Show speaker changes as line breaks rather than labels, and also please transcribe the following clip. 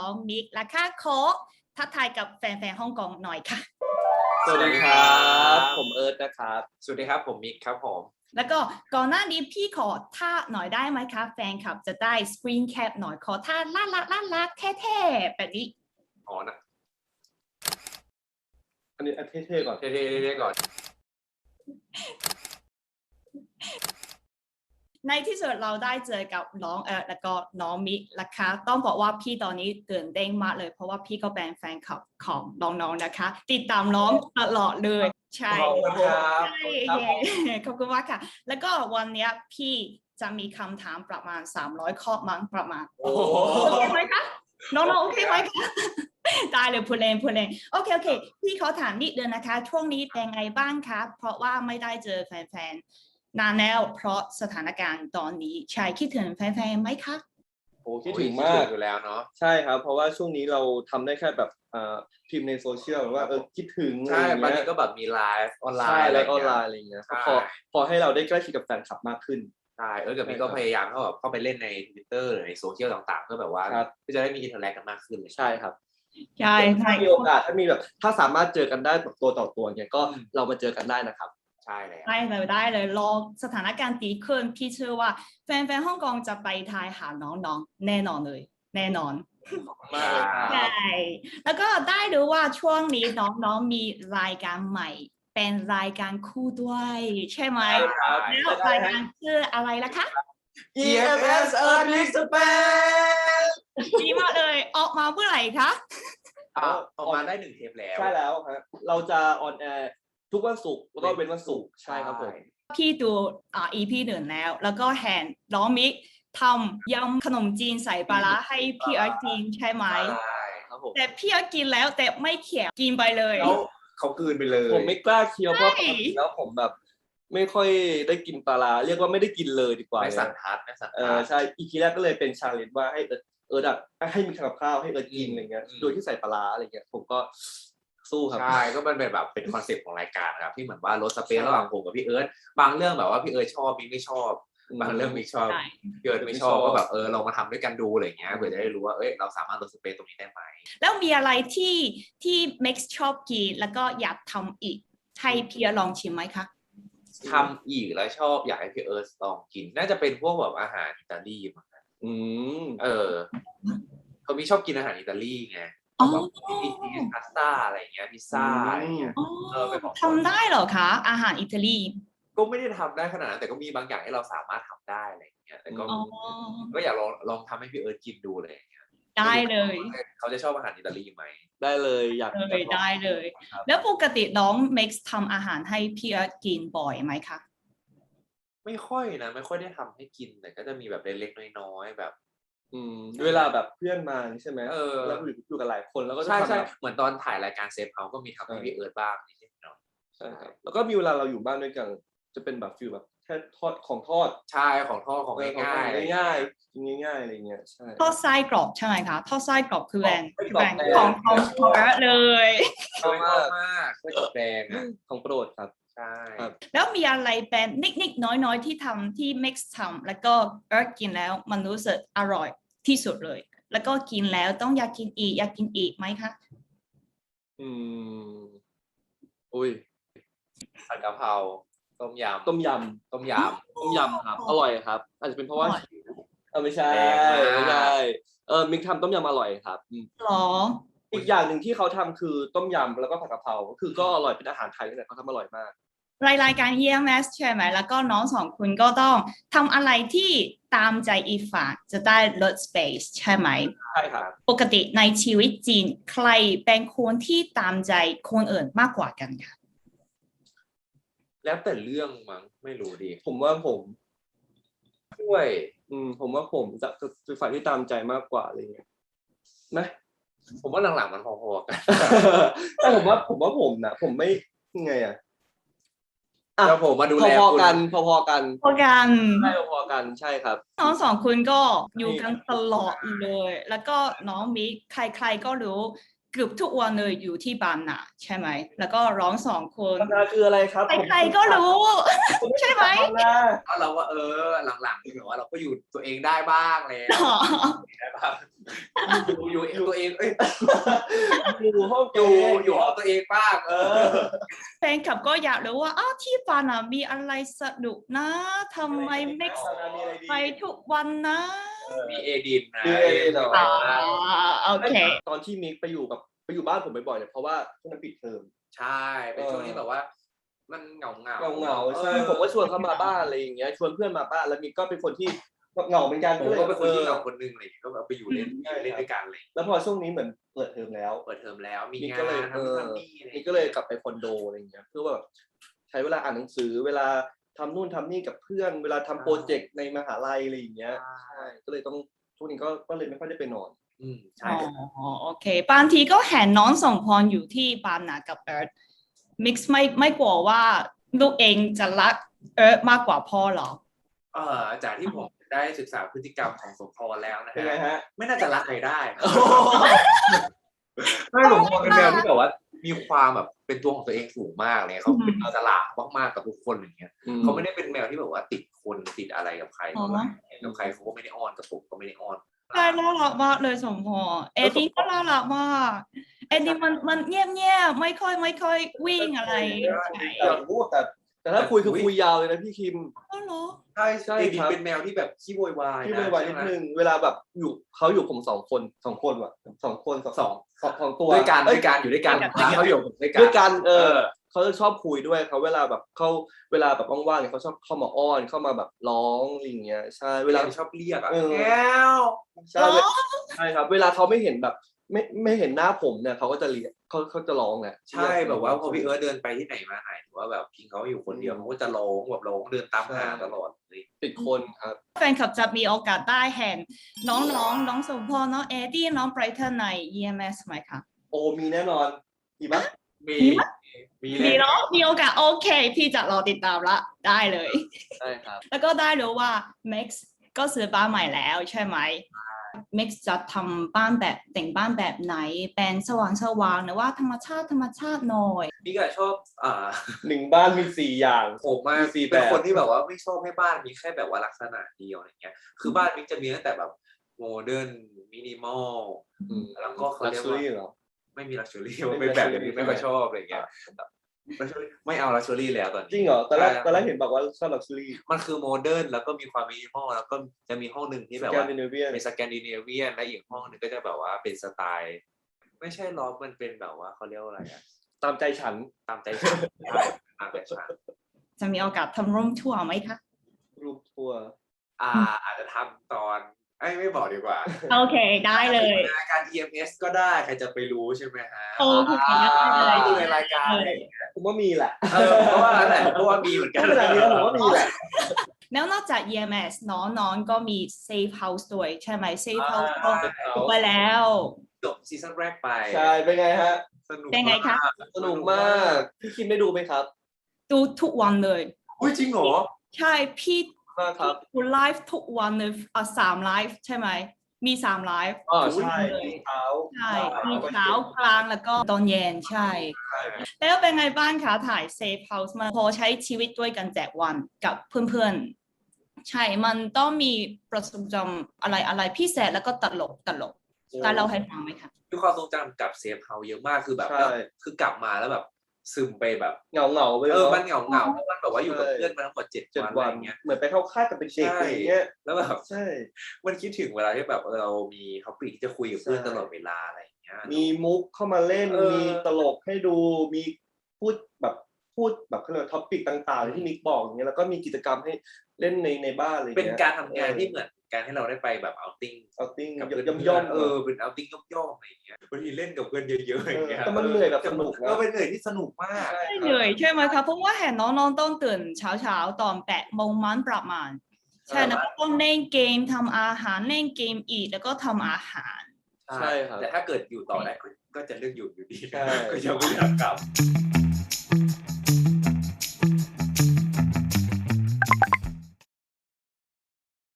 น้องมิกและค่ะขอทักทายกับแฟนๆฮ่องกงหน่อยค่ะ
สวัสดีครับผมเอิร์ธนะครับ
สวัสดีครับผมมิกครับผม
แล้วก็ก่อนหน้านี้พี่ขอท่าหน่อยได้ไหมคะแฟนคลับจะได้สกรีนแคปหน่อยขอท่าล่ารักเท่ๆแบบนี้
อ๋อนะ
อันนี้เท่ๆก่อน
เท่ๆก่อน
ในที่สุดเราได้เจอกับน้องแล้วก็น้องมิกนะคะต้องบอกว่าพี่ตอนนี้ตื่นเต้นมากเลยเพราะว่าพี่ก็เป็นแฟนคลับของน้องๆนะคะติดตามน้องตลอดเลยใช่
ขอบคุณครับ
ขอบคุณมากค่ะแล้วก็วันนี้พี่จะมีคำถามประมาณ300ข้อมั้งประมาณโอเคไหมคะน้องๆโอเคไหมคะได้เลยพูดเล่นโอเคพี่ขอถามนิดเดียวนะคะช่วงนี้เป็นไงบ้างคะเพราะว่าไม่ได้เจอแฟนๆนานแล้วเพราะสถานการณ์ตอนนี้ใช่คิดถึงแฟนๆไหมคะ
โอ้คิดถึงมาก
อยู่แล้วเนาะ
ใช่ครับเพราะว่าช่วงนี้เราทำได้แค่แบบพิมพ์ในโซเชียลว่าคิดถึง
ใช่บางทีก็แบบมีไลฟ์ออนไลน์
อะไรอย่างเงี้ยพอให้เราได้ใกล้ชิดกับแฟนคลับมากขึ้น
ใช่กับมิกก็พยายามเข้าไปเล่นใน Twitter หรือในโซเชียลต่างๆเพื่อแบบว่าเพื่อจะได้มีอินเทอร์แอคกันมากขึ้นเลย
ใช่ครับ
ใช่
ถ้ามีโอกาสถ้าสามารถเจอกันได้แบบตัวต่อตัวเนี่ยก็เรามาเจอกันได้นะครับ
ใช่เลย
ได้เลยรอสถานการณ์ดีขึ้นพี่เชื่อว่าแฟนๆฮ่องกงจะไปไทยหาน้องๆแน่นอนเลยแน่นอน
มากเลยครับ
ใช่แล้วก็ได้รู้ว่าช่วงนี้น้องๆมีรายการใหม่เป็นรายการคู่ด้วยใช่ไหมแล้วรายการชื่ออะไรล่ะคะ
EMS Earning Space
ดีมากเลยออกมาเมื่อไหร่คะ
ออกมาได้1 เทปแล้ว
ใช่แล้วฮะเราจะออนแอร์ทุกวันศุกร์แล้วก็เว้นวันศุกร์ใช่ครับผม
พี่ดูEP 1แล้วก็เห็นน้องมิกทำยำขนมจีนใส่ปลาร้าให้พี่เอิร์ธกินใช่ไหม
ใช่ครับผม
แต่พี่เอิร์ธกินแล้วแต่ไม่เขียวกินไปเลย
แล้วเขากลืนไปเลย
ผมไม่กล้าเคี้ยวเพราะปกติแล้วผมแบบไม่ค่อยได้กินปลาร้าเรียกว่าไม่ได้กินเลยดีกว่า
ไม่สันทัด
ใช่อีพีแรกก็เลยเป็นชาเลนจ์ว่าให้เอิร์ธให้มีกับข้าวให้เอิร์ธกินอะไรเงี้ยโดยที่ใส่ปลาร้าอะไรเงี้ยผมก็สู้ครับ
ใช่ก็มันเป็นแบบเป็นคอนเซ็ปต์ของรายการครับที่เหมือนว่าลดสเปซระหว่างผมกับพี่เอิร์ธบางเรื่องแบบว่าพี่เอิร์ธชอบมิกไม่ชอบบางเรื่องมิกชอบพี่เอิร์ธไม่ชอบก็แบบเรามาทำด้วยกันดูอะไรเงี้ยเพื่อจะได้รู้ว่าเราสามารถลดสเปซตรงนี้ได้ไหม
แล้วมีอะไรที่ Max ชอบกินแล้วก็อยากทำอีกให้พี่เอิร์ธลองชิมไหมคะ
ทำอีกแล้วชอบอยากให้พี่เอิร์ธลองกินน่าจะเป็นพวกแบบอาหารอิตาลีมั้งเขามีชอบกินอาหารอิตาลีไงแบบพาสต้าอะไรเงี้ยพิซซ่าอะไรเงี้ย
ทำได้เหรอคะอาหารอิตาลี
ก็ไม่ได้ทำได้ขนาดนั้นแต่ก็มีบางอย่างที่เราสามารถทำได้อะไรเงี้ยแต่ก็อยากลองทำให้พี่เอิร์ธกินดูเลย
ได้เลย
เขาจะชอบอาหารอิตาลีไหม
ได้เลยอยาก
ได้เลยแล้วปกติน้อง Max ทำอาหารให้พี่เอิร์ธกินบ่อยไหมคะ
ไม่ค่อยนะไม่ค่อยได้ทำให้กินแต่ก็จะมีแบบเล็กๆน้อยๆแบบ
เวลาแบบเพื่อนมาใช่ไหมแล้วอยู่กับหลายคนแล้วก็
ใช่เหมือนตอนถ่ายรายการเซฟเฮาก็มีทำให้พี่เอิร์ธบ้างนี่เนาะ
ใช่ครับแล้วก็มีเวลาเราอยู่บ้านด้วยกันจะเป็นแบบฟิลแบบแค่ทอดของทอด
ใช่ของทอดของง่าย
กินง่ายอะไรเงี้ยใช่
ทอดไส้กรอบใช่ไหมคะทอดไส้กรอบคือแบรนด์ของเอิร์ธเลย
ชอบมากไส้กรอกแดง
ของโปรดครับ
ใช่
แล้วมีอะไรเป็นนิดๆน้อยๆที่ทำที่ Mix ทำแล้วก็เอิร์ธกินแล้วมันรู้สึกอร่อยที่สุดเลยแล้วก็กินแล้วต้องอยากกินอีกไหมคะ
อุ้ย
ผัดกะเพราต้มยำ
ครับอร่อยครับอาจจะเป็นเพราะว่าไม่ใช่มิกทำต้มยำอร่อยครับ
หรอ
อีกอย่างหนึ่งที่เขาทำคือต้มยำแล้วก็ผัดกะเพราคือก็อร่อยเป็นอาหารไทยนี่แหละเขาทำอร่อยมาก
รายการ EMS ใช่ไหมแล้วก็น้องสองคุณก็ต้องทำอะไรที่ตามใจอีกฝ่ายจะได้ลด space ใช่ไหม
ใช่ครับ
ปกติในชีวิตจริงใครเป็นคนที่ตามใจคนอื่นมากกว่ากันคะ
แล้วแต่เรื่องมั้งไม่รู้ดิ
ผมว่าผม
ด้วย
ผมว่าผมจะเป็นฝ่ายที่ตามใจมากกว่าอะไรเงี้ยนะ
ผมว่าหลังๆมันพอๆกัน
แต่ผมว่าผมนะผมไม่ยังไง
แล้วผมมาดูแล
พอกันใช่พอกันใช่ครับ
น้องสองคนก็อยู่กันตลอดเลยแล้วก็น้องมิกใครๆก็รู้เกือบทุกวันเลยอยู่ที่บางนาใช่ไหมแล้วก็ร้อง2 คน
บางนาคืออะไรครับ
ใครๆก็รู้ ใช่ไหม
บางนา
แล้วเราว่าหลังๆที่แบบว่าเราก็อยู่ตัวเองได้บ้างแล้ว
อ๋อ
ได้บ้างอยู่ตัวเอง
อยู่ห้อง
อยู่ห้องตัวเองบ้าง
แฟนคลับก็อยากรู้ว่าที่บางนามีอะไรสนุกนะทำไมไม่ไปทุกวันนะ
มีเอดินนะ
มีเอดินเหรอ
โอเค
ตอนที่มิกไปอยู่บ้านผมบ่อยๆเนี่ยเพราะว่าช่วงนั้นปิดเทอม
ใช่เป็นช่วงที่แบบว่า มันเหงา
ใช่ผมก็ชวนเขามาบ้านอะไรอย่างเงี้ยชวนเพื่อนมาบ้านแล้วมิกก็เป็นคนที่เหงาเหมือนกัน
ผมก็เป็นคนที่เหงาคนนึงเลยก็แบบไปอยู่เล่นด้วยกันเลย
แล้วพอช่วงนี้เหมือนเปิดเทอมแล้ว
มีงาน
ก็เลย
ทำนี่
มิกก็เลยกลับไปคอนโดอะไรอย่างเงี้ยเพื่อแบบใช้เวลาอ่านหนังสือเวลาทำนู่นทำนี่กับเพื่อนเวลาทำโปรเจกต์ในมหาลัยอะไรอย่างเงี้ยใช่ก็เลยต้องช่วงนี้ก็เลยไม่ค่อยได้ไปนอน
ใช่
โอเคบางทีก็เห็นน้องสมพรอยู่ที่บางนากับเอิร์ธมิกซ์ไม่กลัวว่าลูกเองจะรักเอิร์ธมากกว่าพ่อหรอ
จากที่ผมได้ศึกษาพฤติกรรมของสมพรแล้วนะฮะไม่น่าจะรักใครได้ไม่สมพรเป็นแมวที่แบบว่ามีความแบบเป็นตัวของตัวเองสูงมากเลยเขาเป็นอิสระมากๆกับทุกคนอย่างเงี้ยเขาไม่ได้เป็นแมวที่แบบว่าติดคนติดอะไรกับใครกับใครเขาก็ไม่ได้อ้อนกับผมก็ไม่ได้อ้อน
ใช่น่ารักมากเลยสมพรเอ็ดดี้ก็น่ารักมากเอ็ดดี้มันเงียบไม่ค่อยวิ่งอะไร
อยากรู้แต่ถ้าคุยคือคุยยาวเลยนะพี่คิม
เหรอ
ใช่ครับเป็นแมวที่แบบขี้โวยวาย
ขี้โวยวายนิดนึงเวลาแบบเขาอยู่ผม2 คนว่ะ2 คน2ตัว
ด้วยกันอยู่ด้วยกันเขาอยู่
ด้วยกันเขาจะชอบคุยด้วยเขาเวลาแบบว่างๆเนี่ยเขาชอบเข้ามาอ้อนเข้ามาแบบร้องอะไรอย่างเงี้ยใช่เวลา
ชอบเรียก
แก้วใช่ครับเวลาเขาไม่เห็นแบบไม่เห็นหน้าผมเนี่ยเขาก็จะเรียกเขาจะร้องแหละ
ใช่แบบว่าพอพี่เอิร์ธเดินไปที่ไหนมาไหนหรือว่าแบบพิงเขาอยู่คนเดียวเขาก็จะร้องแบบร้องเดินตามหาตลอด
ติดคนครับ
แฟนคลับจะมีโอกาสได้เห็นน้องสมพรน้องเอ็ดดี้น้องไบรท์ใน EMS ไหมคะ
โอ้มีแน่นอนมีปะ
มีเนาะมีโอกาสโอเคพี่จะรอติดตามละได้เลย
ใช่ครับ
แล้วก็ได้รู้ว่า Max ก็ซื้อบ้านใหม่แล้วใช่ไหมMax จะทำบ้านแบบแต่งบ้านแบบไหนเป็นสว่างหรือว่าธรรมชาติหน่อย
พี่ก็ชอบ
1 บ้านมี4 อย่าง
ผมมาเป็นคนที่แบบว่าไม่ชอบให้บ้านมีแค่แบบว่าลักษณะเดียวอะไรเงี้ยคือบ้านมิกจะมีตั้งแต่แบบโมเดิร์นมินิมอลแล้วก็เขาเรียกว่าไม่มีลักชัวรี่มันเป็นแบบอย่างนี้ไม่ค่อยชอบอะไรเงี้ยไม่เอาลักชัวรี่แล้วตอนนี้
จริงเหรอตอนแรกเห็นบอกว่าชอบลักชัวรี่
มันคือโมเดิร์นแล้วก็มีความมินิมอลแล้วก็จะมีห้องหนึ่งที่แบบว่าเป็นสแกนดิเนเวียนและอีกห้องนึงก็จะแบบว่าเป็นสไตล์ไม่ใช่ล็อบมันเป็นแบบว่าเขาเรียกว่าอะไร
ตามใจฉัน
ใช่ตามใจฉัน
จะมีโอกาสทำรูมทัวร์ไหมคะ
รูมทัวร์
อาจจะทำตอนไม่บอกดีกว่า
โอเคได้เลย
การ EMS ก็ได้ใครจะไปรู้ใช่ไหมฮะ
โอเคได้
ดูในรายการ
ผมว่ามีแหละ
เพราะว่าอะไรเพราะว่ามีเหมือนกัน
ขนาดนี้ผมว่ามีแหละ
แล้วนอกจาก EMS น้องก็มี Safe House ด้วยใช่ไหม Safe House ก็ไปแล้ว
จบซีซั่นแรกไป
ใช่เป็นไงฮะ
เป็นไงคะ
สนุกมากพี่คิมได้ดูไหมครับ
ดูทุกวันเลย
อุ้ยจริงเหรอ
ใช่พี่
ดู
ไลฟ์ทุกวันเลย3 ไลฟ์ใช่ไหมมี3 ไลฟ์
ใช่
ใช่มีเช้ากลางแล้วก็ตอนเย็นใช่แล้วเป็นไงบ้างคะถ่าย Safe House มาพอใช้ชีวิตด้วยกัน7 วันกับเพื่อนๆใช่มันต้องมีประสบการณ์อะไรพิเศษแล้วก็ตลกการเล่าให้ฟังไหมคะ
มีความทรงจำกับ Safe House เยอะมากคือแบบคือกลับมาแล้วแบบซึมไปแบบ
เหงาไป
มันเหงาแล้วมันแบบว่าอยู่กับเพื่อนมาทั้งหมด7 วันอย่างเงี้ย
เหมือนไปเข้าค่ายกับเป็นเด็กอะไรเงี้ย
แล้วแบบใช่มันคิดถึงเวลาที่แบบเรามีท็อปิกที่จะคุยกับเพื่อนตลอดเวลาอะไรอย่างเงี้ย
มีมุกเข้ามาเล่นมีตลกให้ดูมีพูดแบบเขาเรียกท็อปิกต่างๆที่มิกบอกอย่างเงี้ยแล้วก็มีกิจกรรมให้เล่นในบ้านอะไรเงี้ย
เป็นการทำงานที่เหมือนการให้เราได้ไปแบบเอาติ้ง
กับย่อม
เป็นเอาติ้งย่อมอะไรอย่างเงี้ยบางทีเล่นกับเพื่อนเยอะๆอย่างเงี้ย
แต่มันเหนื่อยแบบสนุก
ก็เป็นเหนื่อยที่สนุกมาก
เหนื่อยใช่ไหมคะเพราะว่าเห็นน้องต้องตื่นเช้าตอน8 โมงมันประมาณใช่แล้วก็ต้องเล่นเกมทำอาหารเล่นเกมอีกแล้วก็ทำอาหาร
ใช่ครับแต่ถ้าเกิดอยู่ต่อได้ก็จะเลือกอยู่ดีก็ยังไม่อยากกลับ